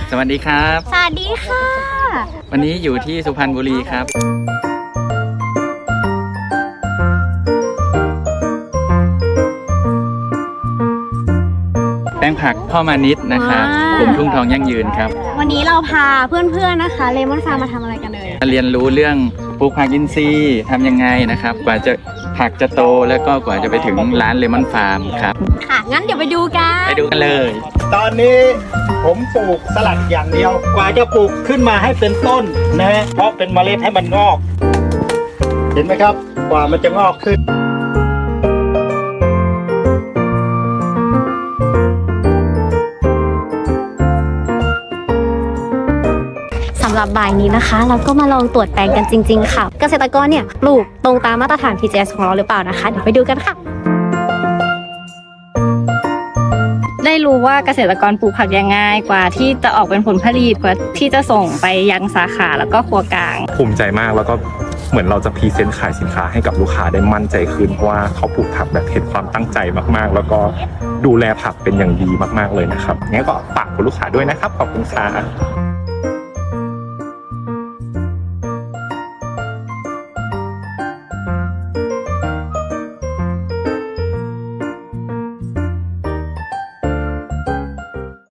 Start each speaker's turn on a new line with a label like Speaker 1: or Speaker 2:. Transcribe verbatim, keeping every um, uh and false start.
Speaker 1: สวัสดีครับ
Speaker 2: สวัสดีค่ะ
Speaker 1: วันนี้อยู่ที่สุพรรณบุรีครับแปลงผักพ่อมานิดนะครับกลุ่มทุ่งทองยั่งยืนครับ
Speaker 2: วันนี้เราพาเพื่อนๆนะคะเลมอนฟาร์มมาทำอะไรกันเลย
Speaker 1: เรียนรู้เรื่องปลูกผักอินทรีย์ทำยังไงนะครับกว่าจะผักจะโตแล้วก็กว่าจะไปถึงร้านเลมอนฟาร์มครับ
Speaker 2: ค่ะงั้นเดี๋ยวไปดูกัน
Speaker 1: ไปดูกันเลย
Speaker 3: ตอนนี้ผมปลูกสลัดอย่างเดียวกว่าจะปลูกขึ้นมาให้เป็นต้นนะฮะเพราะเป็นเมล็ดให้มันงอกเห็นไหมครับกว่ามันจะงอกขึ้น
Speaker 2: สำหรับบ่ายนี้นะคะเราก็มาลองตรวจแปลงกันจริงๆค่ะเกษตรกรเนี่ยปลูกตรงตามมาตรฐาน พี จี เอส ของเราหรือเปล่านะคะเดี๋ยวไปดูกันค่ะ
Speaker 4: ได้รู้ว่าเกษตรกรปลูกผักยังไงกว่าที่จะออกเป็นผลผลิตกว่าที่จะส่งไปยังสาขาแล้วก็ครัวกลาง
Speaker 5: ภูมิใจมากแล้วก็เหมือนเราจะพรีเซนต์ขายสินค้าให้กับลูกค้าได้มั่นใจขึ้นเพราะว่าเขาปลูกผักแบบเห็นความตั้งใจมากๆแล้วก็ดูแลผักเป็นอย่างดีมากๆเลยนะครับงั้นก็ฝากคุณลูกค้าด้วยนะครับขอบคุณค่ะ